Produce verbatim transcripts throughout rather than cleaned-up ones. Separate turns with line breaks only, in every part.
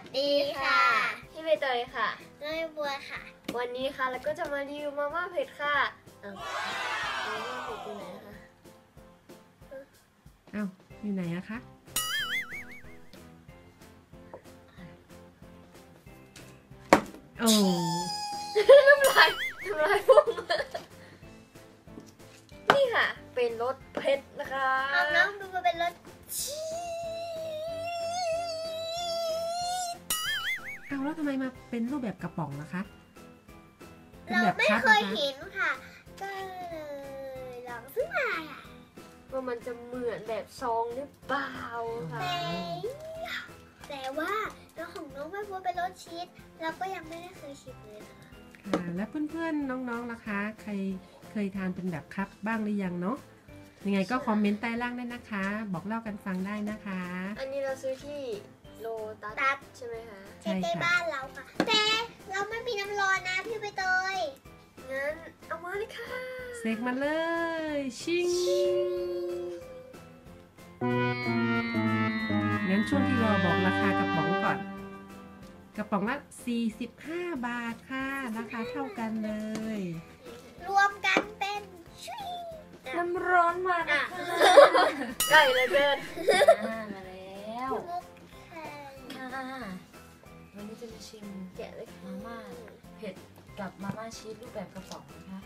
ดีค่ะพี่ใบเตยค่ะ
น้อยบัวค่ะ
วันนี้ค่ะเราก็จะมารีวิวมาม่าเผ็ดค่ะอ้าวมาม่าเผ็ดอยู่ไหนคะ
อ้าวอยู่ไหนอะคะโอ้
น้ำลายน้ำลายพุ่งนี่ค่ะเป็นรสเผ็ดนะคะ
เอาน้องดูมาเป็นรสชี
อ้าวแล้วทำไมมาเป็นรูปแบบกระป๋องนะคะ
เราไม่เคยเห็นค่ะก็เลยลองซื้อมา
ว่ามันจะเหมือนแบบซองหรือเปล่าค่ะ
แต่แต่ว่าน้องของน้องไม่บัวเป็นรสชีสเราก็ยังไม่ได้เคยชิมเลยนะคะ
ค่ะแล้วเพื่อนๆน้องๆล่ะคะใครเคยทานเป็นแบบคัพบ้างหรือยังเนาะยังไงก็คอมเมนต์ใต้ล่างได้นะคะ บอกเล่ากันฟังได้นะคะ
อันนี้เราซื้อที่โลตัสใช่ไหมคะ
ใช่ค่ะบ้านเราค่ะแต่เราไม่มีน้ำร้อนนะพี่ใบเตย
งั้นเอามาเลยค่ะ
เสกมาเลยชิงงั้นช่วงที่รอบอกราคากระป๋องก่อนกระป๋องละสี่สิบห้าบาทค่ะราคาเท่ากันเลย
รวมกันเป็นชุย
น้ำร้อนมาค่ะใกล้เลยเกิน
มาแล้วค่ะวันนี้จะมาชิม
แกะเลย
มาม่าเผ็ดกับมาม่าชีสรูปแบบกระป๋องนะคะ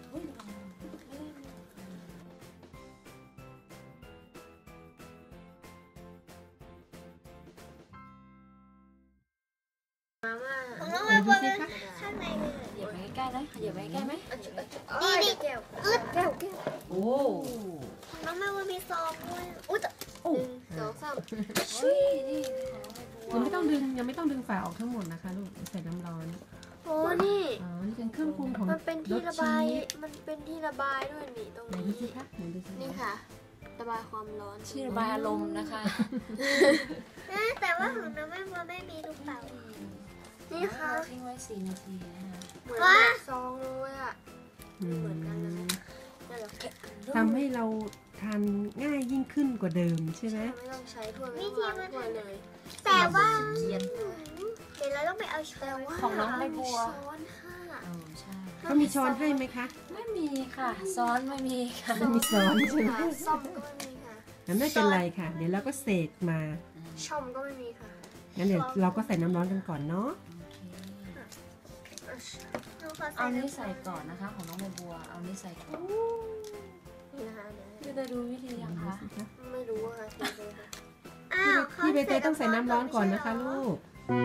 มาม่า
ของน้องมาบนข้างในเลย
เหยียบไปใกล้ๆเลยเหยียบไปใกล้ไหม
นี่นี่แก้วอึดแก้วแก้ว
โอ้
ของน้องมาบนมีซองด้วยอุ๊ย
หนึ่งสองสาม
ยังไม่ต้องดึงยังไม่ต้องดึงฝาออกทั้งหมดนะคะลูกใส่น้ำร้อน
โอ้นี่
อ๋อนี่เป็นเครื่องปรุงของ
มันเป็นที่ระบายมันเป็นที่ระบายด้วยนี่ตรงนี้
ดูสิคะดูสิ
นี่ค่ะระบายความร้อน
ที่ระบายอารมณ์นะคะ
แต่ว่าของน้องไม่บัวไม่มีลูกเต๋า
นี่ค่ะ
ทิ้งไว้สี่นาทีนะคะ
เหมือนซองเลยอ่ะเหมือนกันเลย
ทำให้เราทานง่ายยิ่งขึ้นกว่าเดิมใช่ไหม
ไม่ต้องใช้ถ้วยไม่ต้องล้างถ้วยเลย
แต่ว่า
เขียน
เดี๋ยวเราต้องไปเอาช้อน
ของน้องใบบัว
ช้อนค่ะ
ใช่
เขามีช้อนให้ไหมคะ
ไม่มีค่ะซ้อนไม่มีค่ะ
ไม่มีช้อนใช่ไหม
ซ่อมก็ไม่มีค่ะ
งั้นไม่เป็นไรค่ะเดี๋ยวเราก็เสกมา
ช่อมก็ไม่มีค่ะ
งั้นเดี๋ยวเราก็ใส่น้ำร้อนกันก่อนเนาะ
เอานี้ใส่ก่อนนะคะของน้องใบบัวเอานี้ใส่ก่อน
นี่นะคะ
พี่จะดูวิธียังคะ
ไม่รู้ค่ะ
พี่ใบเตยต้องใส่น้ำร้อนก่อนนะคะลูก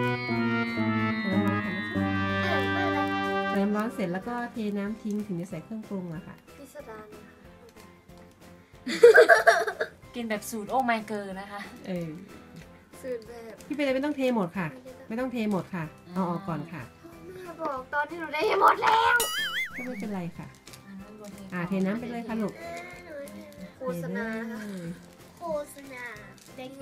ใส่น้ำร้อนเสร็จแล้วก็เทน้ำทิ้งถึงจะใส่เครื่องปรุงอะค่ะ
พิสดาร
กินแบบสูตรโอ้ไมเกอร์นะคะ
เออ
สูตรแบบ
พี่ใบเตยไม่ต้องเทหมดค่ะไม่ต้องเทหมดค่ะเอาออกก่อนค่ะ
บอกตอนที่หนูได้หมดแล้ว
ก็ไม่เป็นไรค่ะอ่าเทน้ำไปเลยค่ะลูก
โฆษณา
โฆษณาเด็ก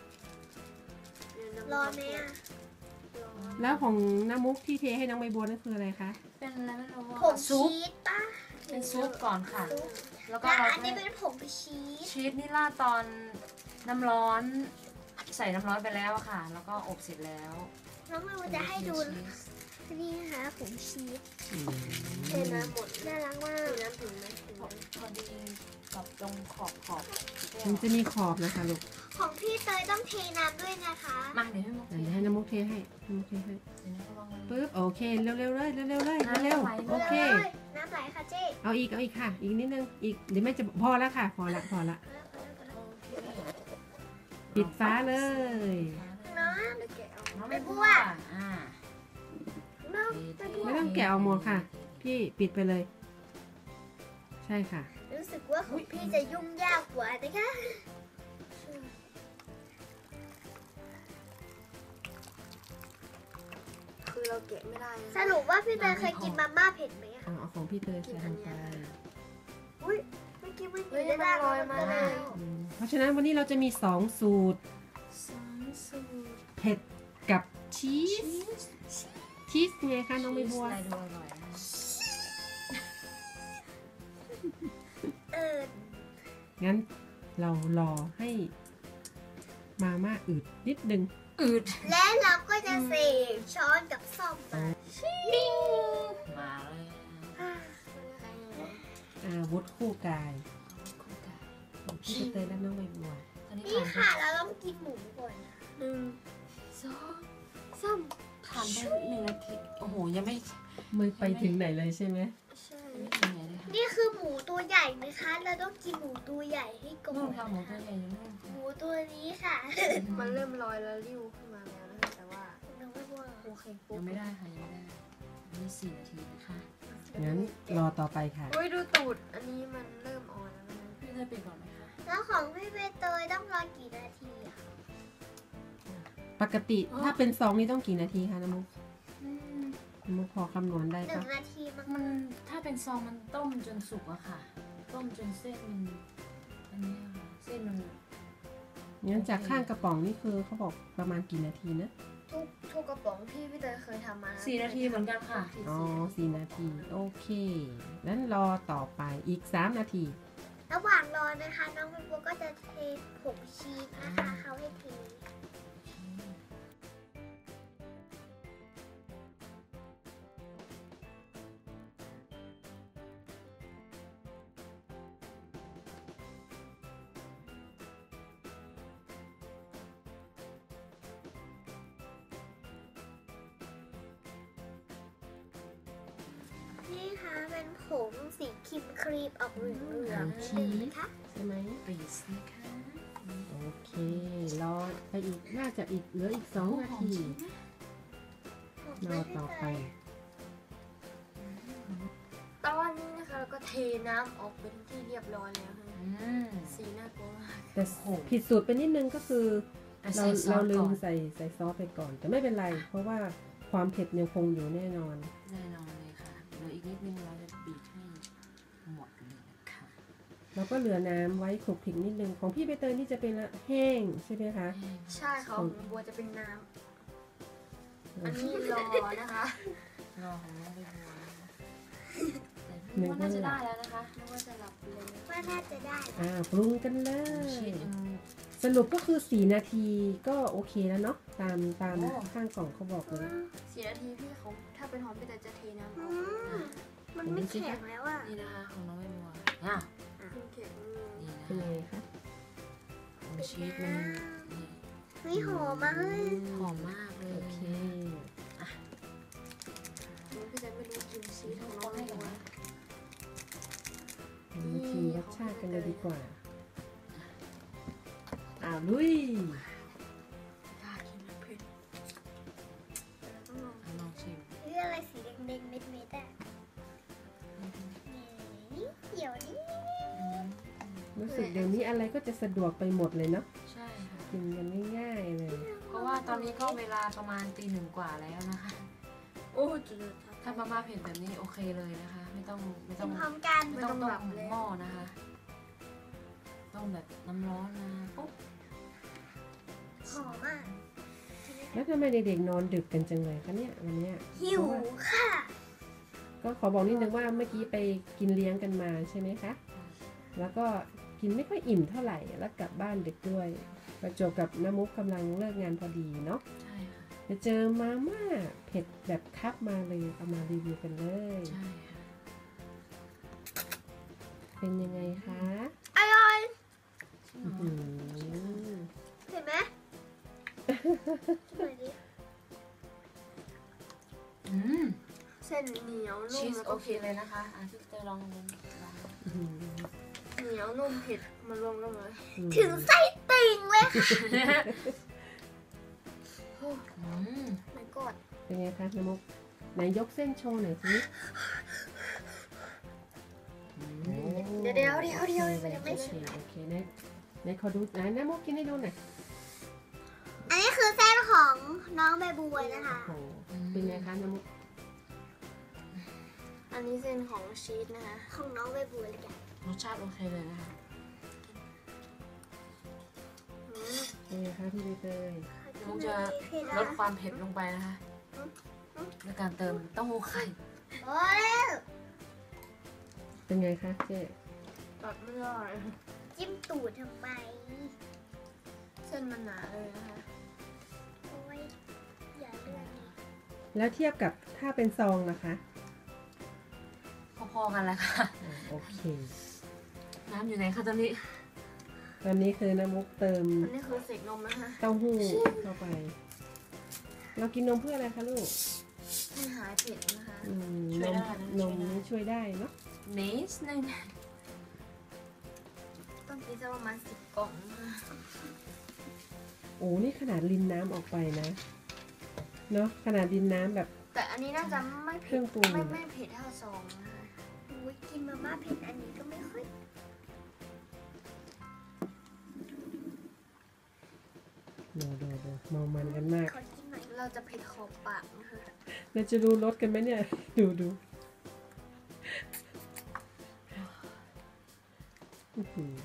รอไหมอ่ะ
แล้วของน้ำมุกที่เทให้น้องใบบัวนั่นคืออะไรคะ
เป็นอะไรไม่รู้
ผงชีสป่ะ
เป็นซุปก่อนค่ะแล้วก็
อันนี้เป็นผงชีส
ชีสนี่ราดตอนน้ำร้อนใส่น้ำร้อนไปแล้วค่ะแล้วก็อบเสร็จแล้ว
น้องมันจะให้ดูนี่นะคะผงชีส
เทน้ำหมด
น่ารักมาก
น้ำถึงไหม
พอดีกับตรงขอบขอบ
มันจะมีขอบนะคะลูก
ของพี่เตยต้องเทน้ำด้วยนะคะ
มาเดี๋ยวให้มุก
เดี๋ยวให้น้ำมุกเทให้น้ำมุกเทให้ปึ๊บโอเคเร็วๆเลยเร็วๆเลยเร็วๆโอเค
น้ำไหลค่ะเจ๊
เอาอีกเอาอีกค่ะอีกนิดนึงอีกเดี๋ยวแม่จะพอแล้วค่ะพอละพอละปิดฟ้าเลย
น้องไม่บัว
ไม่ต้องแกะออกหมดค่ะพี่ปิดไปเลยใช่ค่ะ
รู้สึกว่าของพี่จะยุ่งยากกว่านะคะ
คือเราแกะไม่ได้
สรุปว่าพี่เตยเคยกินมาม่าเผ็ดไหม
อ่ะเอาของพี่เตยใส่ลงไป
อุ้ยเมื่อกี้มันอยู่ในลอยมาเลย
เพราะฉะนั้นวันนี้เราจะมีสองสูตรเผ็ดกับชีสชีสไงคะน้องใบบัวงั้นเรารอให้มาม่าอืดนิดนึง
อืด
และเราก็จะเสกช้อนกับซ่อมมา
มาเลย
อาวุธคู่กายพี่ใบเตยและน้องใบบัว
ตอนนี้
นี่
ผ่านไป
ค่ะเราต้องกินหมูก่อนนะ
หนึ่งสองสาม
ผ่านไปหนึ่งนาทีโอ้โหยังไม่
ไม่ไปถึงไหนเลยใช่ไหม
ใช่
ยังไม่ถึงไหนเลยค่ะ
นี่คือหมูตัวใหญ่นะคะ เราต้องกินหมูตัวใหญ่ให้ก่อ
นู่น
น
ค่ะหมูตัวใหญ่อยู่นู่น
หมูตัวนี้ค่ะ
มันเริ่มลอยแล้วริ้วขึ้นมาแล้วนะคะแต่ว่า
น้องไม่ว่า
โอเคปุ๊
ยั
บ
งไม่ได้ค่ะยังไม่ได้นี่สี่นาทีนะคะ
งั้นรอต่อไปค่ะ
อุ้ยดูตูดอันนี้มันเริ่มอ่อนแล้วนะ
พี่เธอปิดก่อนไหมคะ
แล้วของพี่ใบเตยต้องรอกี่นาทีอะ
ปกติถ้าเป็นซองนี่ต้องกี่นาทีคะน้ำมุก
อืม
น้ำมุกพอคำนวณได้
หนึ่
ปะ
งนาทีมั้ง
มันถ้าเป็นซองมันต้มจนสุกอะค่ะ ต้มจนเส้นมันอันเนี้ยค่ะเส้นมัน
งั้นจากข้างกระป๋องนี่คือเขาบอกประมาณกี่นาทีนะ
ทุกทุกกระป๋องที่พี่เตยเคยทำมา
สี่นาทีเหมือนกันค่ะ
อ๋อสี่นาที โอเคงั้นรอต่อไปอีกสามนาที
ระหว่างรอนะคะ น้องใบบัวก็จะเทผงชีสนะคะเขาให้เท นี่ค่ะเป็นผงสีครีมครีมออกเหลืองๆนิดนึงนะคะ
ใช่ไหม
ปีสนะคะ
โอเค รอไปอีกน่าจะอีกเหลืออีกสองนาที รอต่อไป
ตอนนี้นะคะเราก็เทน้ำออกเป็นที่เรียบร้อยแล้วค่ะ
อืม
สีน่ากลัวมาก
แต่ผิดสูตรไปนิดนึงก็คือ
อ่ะ
เรา
ใส่ซอ
เรา
ส
ลื
ก่อ
ม
น
ใส่ใส่ซอสไปก่อน แต่ไม่เป็นไร เพราะว่าความเผ็ดยังคงอยู่แน่นอน
แน่นอนเลยค่ะเหลืออีกนิดนึงเราจะบีบให้หมดเลยนะคะ
เราก็เหลือน้ำไว้คลุกคลิกนิดนึงของพี่ใบเตยนี่จะเป็นละแห้งใช่ไหมคะ
ใช่ค่ะของบัวจะเป็นน้ำอันนี้รอนะคะ
รอของน้องไปบัวนะคะแต่พี่ว่าน่าจะได้แล้วนะคะ
นึกว่าจะหลับเลย
ว่าน่าจะได้
อ่าปรุงกันเล
ชี
ย
สยัง
สรุปก็คือสี่นาทีก็โอเคแล้วเนาะตามตาม
โอ้
ข้างกล่องเขาบอกเลย
สี่นาทีพี่เขาถ้าเป็นหอมพี่เตยจะเทน้ำอ
อื
อก
มมันไม่แข็งแล้วอ่ะ
นี่นะคะของน้องไปบัวอ่ะ
โอเคอืม
นี่นะ
เป็น
คะ
ไงคะ
ของชีสมันนี่
เฮ้ยหอมมากเลย
หอมมากเลย
โอเค
พี่เตยไม่รู้กินชีสของน้องให้หรอ
มาชิมรสชาติกันเลยดีกว่าอ้าวลุย
อยากกินมันเผ็ดต้องลอง
อ่ะลองชิม
นี่อะไรสีแดงๆเม็ดๆอ่ะนี่เดี๋ยวนี้
อืม
รู้สึกเดี๋ยวนี้อะไรก็จะสะดวกไปหมดเลยเนาะ
ใช่ค่ะ
กินกันง่ายๆเลย
เพราะว่าตอนนี้ก็เวลาประมาณตีหนึ่งกว่าแล้วนะคะ
โอ้จุด
ถ้ามาม่าเผ็ดแบบนี้โอเคเลยนะคะ ไม่ต้องไม่
กิ
ต้อน ง
พร้อมกัน
ไม่ต้องต้มหม้อนะคะ ต้องแบบน้ำร้อนมาปุ๊บ
หอมมาก
แล้วทำไมเด็กๆนอนดึกกันจังเลยคะเนี่ยวันเนี้ย
หิวค่ะ
ก็ขอบอกนิดนึงว่าเมื่อกี้ไปกินเลี้ยงกันมาใช่ไหมคะ แล้วก็กินไม่ค่อยอิ่มเท่าไหร่ แล้วกลับบ้านดึกด้วย ประจวบกับน้ำมุกกำลังเลิกงานพอดีเนาะ
ใช่ค่ะ
จะเจอมาม่าเผ็ดแบบคับมาเลยเอามารีวิวกันเลย
ใช่ค่ะ
เป็นยังไงคะ
อร่อย
อื้อหือ
เห็นไหมช่วยดิ
อืม
เส้นเหนียวนุ่
ชี
ม
ส
แล้ว
โอ
ก็
เค
เผ็ด
เลยนะคะอ่ะพี่เตยลองลองลอง
อื้อหือ
เหนียวนุ่มเผ็ดมารวมกันเลย
ถึงไส้ติ่งเลยค่ะ
โอ้
อืม
ไม่กอด
เป็นไงคะน้ำมุกไหนยกเส้นโชว์หน่อยสิ
เดี๋ยวเดี๋ยวเดี๋ยวเดี๋ยว
โอ
มันยัง
เค
ไม่
โอ
เส
เค
ร็จ
โอเคไหนไหนขอดูไหนน้ำมุกกินให้ดูหน่อย
อันนี้คือเส้นของน้องใบบัวนะคะ
โอ้โหเป็นไงคะน้ำมุก
อันนี้เส้นของชีสนะคะ
ของน้องใบบัวเลยจ้ะ
รสชาติโอเคเลยนะคะ
อืม
เป็นไงคะพี่ใบเตย
มุกจะลดความเผ็ดลงไปนะคะด้วยการเติมเต้าหู้ไข่
โอ้ย
เป็นไงคะเจ๊
ตัดไม่ได้
จิ้มตูดทำไม
เส้นมันหนาเลยนะคะ
โอ้
แล้วเทียบกับถ้าเป็นซองนะคะ
พอๆกันแหละค่ะ
อ่าโอเค
น้ำอยู่ไหนคะตอนนี้
ตอนนี้คือน้ำมุกเติม
อันนี้คือเสกนมนะคะ
เต้าหู้เข้าไป เรากินนมเพื่ออะไรคะลูก
ให้หายเผ็ดนะคะ
อืม
ช่
น
วย
ม
ได้นะ
นมนี่ช่วยได้เนาะ
เนสหนึ่ง
ต้องกินสักประมาณสิบกล่องนะคะ
โอ้นี่ขนาดรินน้ำออกไปนะ เนาะขนาดรินน้ำแบบ
แต่อันนี้น่าจะไม่
เค
เผ็
รื่
ด
องปรุง
ไม่ไม่เผ็ดเท่าซองนะคะ
อุ้ยกินมาม่าเผ็ดอันนี้ก็ไม่ค่อย
โดโดโดเมามันกันมาก
ขอกินหน่อย
เราจะเผ็ดขอบปากนะคะ
เราจะรู้รสกันไหมเนี่ย ดูดูอื้อหือ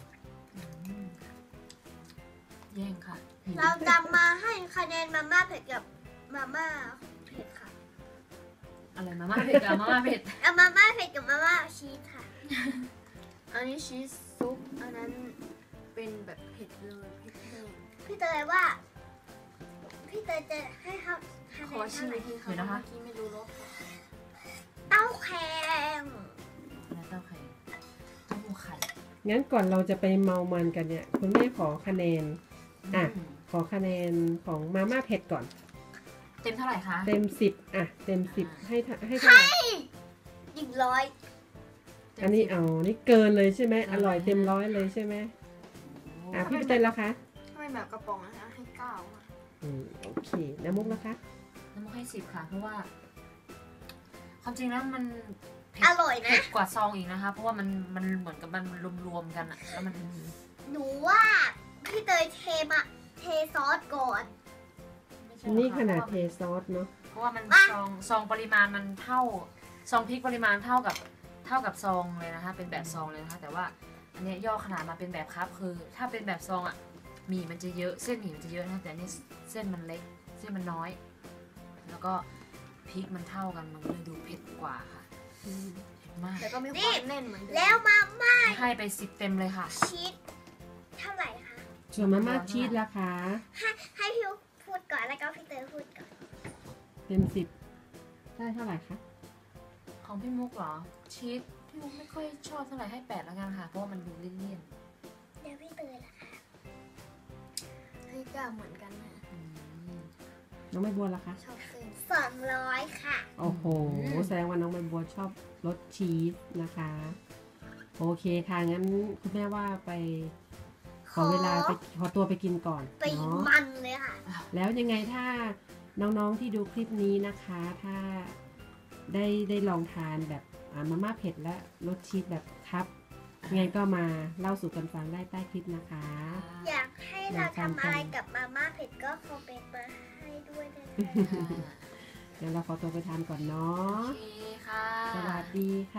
แย่งค่ะ
เราจะมาให้คะแนนมาม่าเผ็ดกับมาม่าเผ็ดค่ะ
อะไรมาม่าเผ็ดกับมาม่าเผ็ด
เอามาม่าเผ็ดกับมาม่าชีสค่ะ
อันนี้ชีสซุปอันนั้นเป็นแบบเผ็ดเลยเผ็ดแห้ง
พี่เตยว่า พี่เตยจะให้เขาคะ
ข
แน
อน ชิ
เท่าม ไหร่
อีกทีค่ะเมื่อกี้ไม่รู้รสค่ะ
เต้าแข็ง
แล้วเต้าไข่เต้าหู้ไข่
งั้นก่อนเราจะไปเมามันกันเนี่ย คุณแม่ขอคะแนน อ่ะ
อืม
ขอคะแนนของมาม่าเผ็ดก่อน
เต็มเท่าไหร่คะ
เต็มสิบอ่ะ เต็มสิบให้ทให้เท่าไหร่
หนึ่งร้อย
ต็ม
อันนี้
สิบ
เอา นี่เกินเลยใช่ไหม
เกิน
อร่อย
เลย
เต็มร้อยเลยใช่ไหม
โอ้
อ่ะพี่เต้นแล้วคะ
ถ้าเป็นแบบกระป๋องนะคะให้เก้าค่ะ
อืมโอเค น้ำมุกนะคะ
น้ำมันให้สิบค่ะ เพราะว่า ความจริงแล้วมันเผ็
อ
ด
ร่อยนะ
เผ็ดกว่าซองอีกนะคะ เพราะว่ามันมันเหมือนกับมันรวมๆกันอะแล้วมัน
หนูว่าพี่เตยเทมาเทซอสก่อน
ไม่ใช่
นี่
หรอก
ขนาด
ค่ะ
เทซอสเนาะ
เพราะว่ามัน
อ่ะ
ซองซองปริมาณมันเท่าซองพริกปริมาณเท่ากับเท่ากับซองเลยนะคะ เป็นแบบซองเลยนะคะ แต่ว่าอันเนี้ยย่อขนาดมาเป็นแบบครับคือ ถ้าเป็นแบบซองอ่ะหมี่มันจะเยอะเส้นหมี่มันจะเยอะนะคะแต่อันนี้เส้นมันเล็กเส้นมันน้อย แล้วก็พริกมันเท่ากันมันก็เลยดูเผ็ดกว่าค่ะเผ็ดมาก
แต่ก็มีความแน่นเหมือนเดิม
แล้วมาม่า
ให้ไปสิบเต็มเลยค่ะ
ชีสเท่าไหร่คะ
ส่วนมาม่าชีสราคา
ให้ให้พี่พูดก่อนแล้วก็พี่เตยพูดก่อน
เต็มสิบได้เท่าไหร่คะ
ของพี่มุกเหรอชีสพี่มุกไม่ค่อยชอบเท่าไหร่ให้แปดแล้วกันค่ะเพราะว่ามันดูเลี่ยน
เดี๋ยวพี่เตยล่ะคะ
ให้เก้าเหมือนกันนะ
ๆอืม
น้องใบบัวล่ะคะ
ชอบเส้น
สองร้อยค่ะ
โอ้โห แสดงว่าน้องใบบัวชอบรสชีสนะคะ โอเคค่ะ งั้นคุณแม่ว่าไป ขอเวลาไปขอตัวไปกินก่อน
ไป
เนาะ
มันเลยค่ะ
แล้วยังไงถ้าน้องๆที่ดูคลิปนี้นะคะ ถ้าได้ได้ลองทานแบบอ่ามาม่าเผ็ดและรสชีสแบบครับยังไงก็มาเล่าสู่กันฟังได้ใต้คลิปนะคะ
อยากให้เราทำอะไรกับมาม่าเผ็ดก็คอมเมนต์มาให้ด้วยนะคะ
เดี๋ยวเราขอตัวไปทานก่อนเนาะ
โอเคค่ะ
สวัสดีค่ะ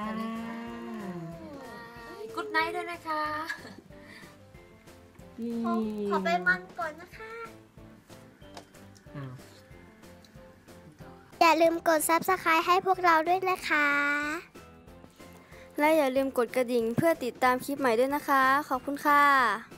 กุ๊ดไนท์ด้วยนะคะ
นี่
ขอขอไปมันก่อนนะคะ
อ้าว
อย่าลืมกด ซับสไครบ์ ให้พวกเราด้วยนะคะ
และอย่าลืมกดกระดิ่งเพื่อติดตามคลิปใหม่ด้วยนะคะ ขอบคุณค่ะ